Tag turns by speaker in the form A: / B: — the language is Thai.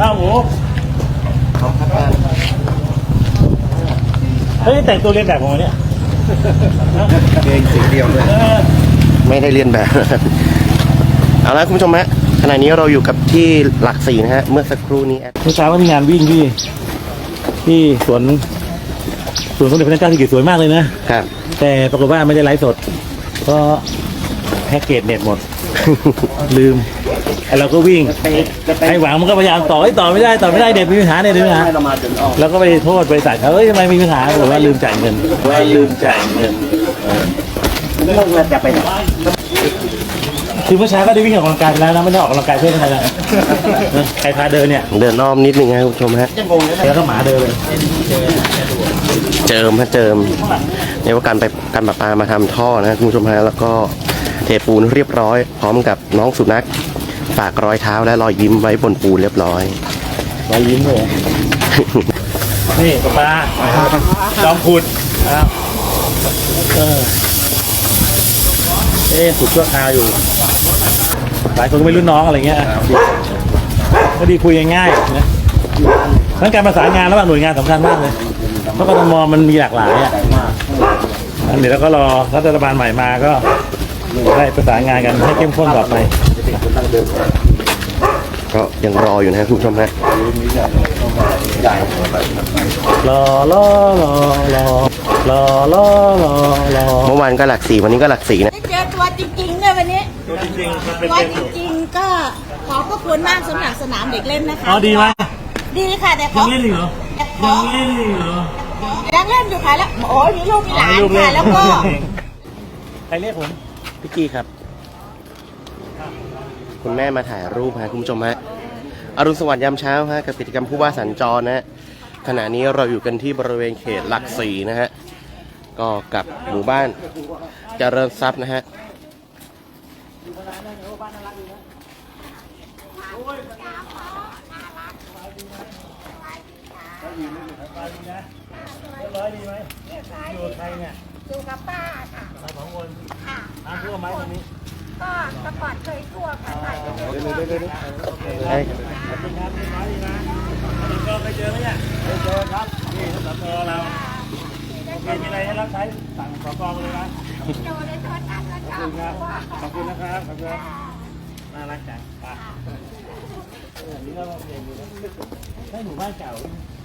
A: ข้าวหมูเฮ้ยแต่งตัวเรียนแบบผมเนี่ย
B: เองสีเดียวเลยไม่ได้เรียนแบบ เอาละคุณผู้ชมฮะขณะนี้เราอยู่กับที่หลักสี่นะฮะเมื่อสักครู่นี้
A: เมื่อเช้าก็มีงานวิ่งที่สวนสมเด็จพระนางเจ้าสิริกิติ์สวยมากเลยนะครับแต่ปรากฏว่าไม่ได้ไลฟ์สดเพราะแพ็กเกจเน็ตหมด ลืมไอเราก็วิ่งไอหวังมันก็พยายามต่อไม่ได้เด็กมีปัญหาเด็กมีปัญหาแล้วก็ไปโทษบริษัทเขาทำไมมีปัญหาบอกว่าลืมจ่ายเงินเราจะไปคือเมื่อเช้าก็ได้วิ่งออกกำลังกายแล้วนะไม่ได้ออกกำลังกายเพื่ออะไรนะใครพาเดินเนี่ย
B: เดินอ้อมนิดนึงนะคุณผู้ชมฮะ
A: แล้วก็หมาเดินเลย
B: เจิมเนี่ยว่าการประปามาทำท่อนะคุณผู้ชมฮะแล้วก็เทปูนเรียบร้อยพร้อมกับน้องสุนัขฝากรอยเท้าและรอยยิ้มไว้บนปูนเรียบร้อย
A: รอยยิ้มเลยนี่ปลาจอมขุดครับขุดชั่วคราวอยู่หลายคนก็ไม่รุ่นน้องอะไรเงี้ยก็ดีคุยง่ายๆนะทั้งการประสานงานระหว่างหน่วยงานสำคัญมากเลยเพราะกทมมันมีหลากหลายอ่ะอันนี้แล้วก็รอรัฐบาลใหม่มาก็ได้ประสานงานกันให้เข้มข้นต่อไป
B: ก็ยังรออยู่นะคุณผู้ชมฮะ
A: รอ
B: เมื่อวานก็หลักสี่วันนี้ก็หลักสี่นะ
C: เจอตัวจริงๆเนี่ยวันนี้
A: ตัวจ
C: ริงๆก็ขอบพระคุณมากสำหรับสนามเด็กเล่นนะคะ
A: ดีไหม
C: ดีค่ะแต่
A: ยังเล่นอยู่เหรอ
C: ยังเล่นอยู่ค่ะแล้วโอ้ยมีลูกมีหลานค่ะแล้วก็
A: ใครเรียกผม
B: พี่กี้ครับคุณแม่มาถ่ายรูปฮะคุณผู้ชมฮะอรุณสวัสดิ์ยามเช้าฮะกับกิจกรรมผู้ว่าสัญจรนะฮะขณะนี้เราอยู่กันที่บริเวณเขตหลักสี่นะฮะก็กับหมู่บ้านเจริญทรัพย์นะฮะ
A: อยู่ใครเนี่ย
C: อยู่กับป้าค่ะ
A: มาสองคน
C: ค่ะ
A: ทั่วไหมตรงนี้
C: ก็ตะกอนเคยทั่วค่ะใช่
A: ครับดีนะก็ไปเจอไหมเนี่ยไปเจอครับนี่สตเรามีอะไรให้รับใช้สั่งสกมาเลยนะขอบคุณนะครับน่ารักจังนี่ก็เรียนอยู่นะให้หมู่บ้านเก่า